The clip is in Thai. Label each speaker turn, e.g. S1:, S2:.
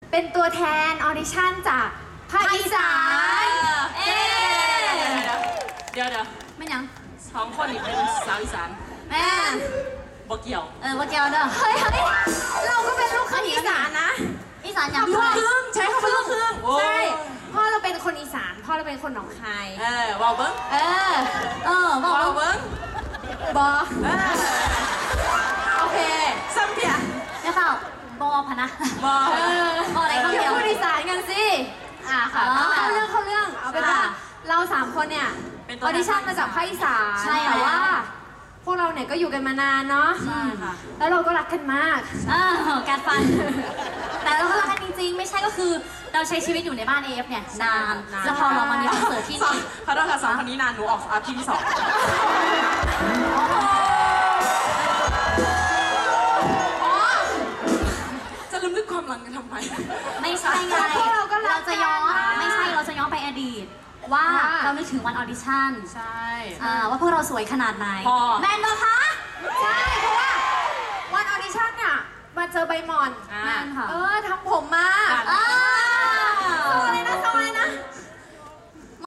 S1: เป็นตัวแทนออดิชั่นจากภาคอีสาน
S2: เดี๋ยว
S3: ไม่ยัง
S2: 2 คนนี่เป็นสาวอีสาน
S3: แม่
S2: บ่เกี่ยว
S3: บ่เกี่ยวเด้อ
S1: เฮ้ยเราก็เป็นลูกครึ่งอีสานนะ
S3: อีสานอย่าง
S2: ลูกครึ่งใช้คำว่าลูกครึ่ง
S1: ใช่พ่อเราเป็นคนอีสานพ่อเราเป็นคนหนองคาย
S2: ว้าวเบิ้ง
S3: บอก
S2: ว้าวเบิ้ง
S1: บอ
S2: โอเคซ้ำเพีย
S3: ไม่เข้าบอพนะ
S2: บอ
S3: อะไรก็
S1: เดี๋ยวพูดอีสานกันสิ
S3: ค่ะ
S1: เข้าเรื่องเอาเป็นว่าเรา3 คนเนี่ยออดิชั่นมาจากภาคอีสานแต่ว่าพวกเราเนี่ยก็อยู่กันมานานเนาะ
S2: ใช่ค่ะ
S1: แล้วเราก็รักกันมาก
S3: การฟันแต่เราก็รักกันจริงๆไม่ใช่ก็คือเราใช้ชีวิตอยู่ในบ้านเอฟเนี่ยนานแล้วพอเรามามีคอนเสิร์ตที่นี่
S2: ขอโทษค่ะ2 คนนี้นานหนูออกอาทิตย์ที่ 2จะลืมนึกความหลังกันทำไม
S3: ไม่ใช่ไงเราจะย้อนไม่ใช่เราจะย้อนไปอดีตว่าเรานึกถึงวันออดิชั่น
S2: ใช่
S3: ว่าพวกเราสวยขนาดไหนแมนบอคะ
S1: ใช่เพราะว่าวันออดิชั่นเนี่ยมาเจอใบหมอน
S3: แมนค่ะ
S1: ทำผมมา